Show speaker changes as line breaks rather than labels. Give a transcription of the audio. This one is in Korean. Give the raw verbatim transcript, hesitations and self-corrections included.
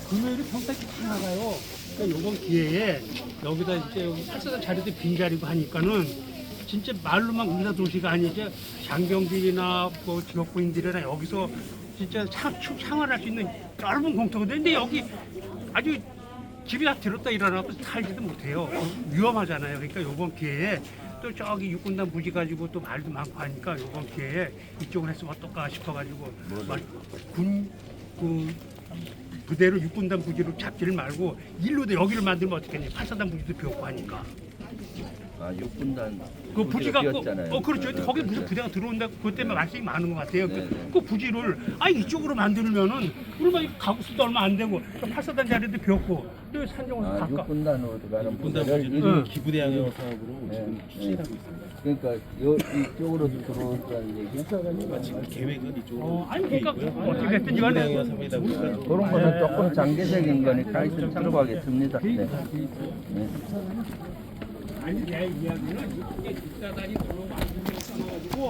금요일이 평택이 다 나가요. 그러니까 요번 기회에 여기다 이제 여기 팔사단 자리도 빈자리고 하니까는 진짜 말로만 의사 도시가 아니지 장병들이나 뭐 지역구인들이나 여기서 진짜 상, 생활할 수 있는 넓은 공터거든요. 근데 여기 아주 집이 다 들었다 일어나고 살지도 못해요. 위험하잖아요. 그러니까 요번 기회에 또 저기 육군단 부지 가지고 또 말도 많고 하니까 요번 기회에 이쪽을 했으면 어떨까 싶어가지고 군그 부대로 육군단 부지로 잡지를 말고 일로도 여기를 만들면 어떻겠니? 팔사단 부지도 비었고 하니까.
아, 육군단
그 부지 갖고
비었잖아요.
어 그렇죠.
네,
거기
네,
무슨
네.
부대가 들어온다. 그것 때문에 말씀이 많은 것 같아요.
네,
그,
네.
그 부지를 아 이쪽으로 만들면은 우리만 가구 수도 얼마 안 되고 또 팔사단 자리도 비었고 또 산정에서
아,
가까.
육군단으로 들어가는
분단
부대를
부지는
응.
기부대항력 사업으로
네,
지금
네.
추진하고 있습니다.
그러니까 요 이쪽으로 들어온다는 얘기야?
지금 계획은 이쪽으로
어, 아니 그러니까
있고요.
어떻게 됐든 간에
기부대항력 사업이다 보니까 좀
그런 거는 조금 장기적인 거니까 하여튼 참고하겠습니다. 네. 네.
아니 내 이야기는 이게 뒷사단이 들어와가지고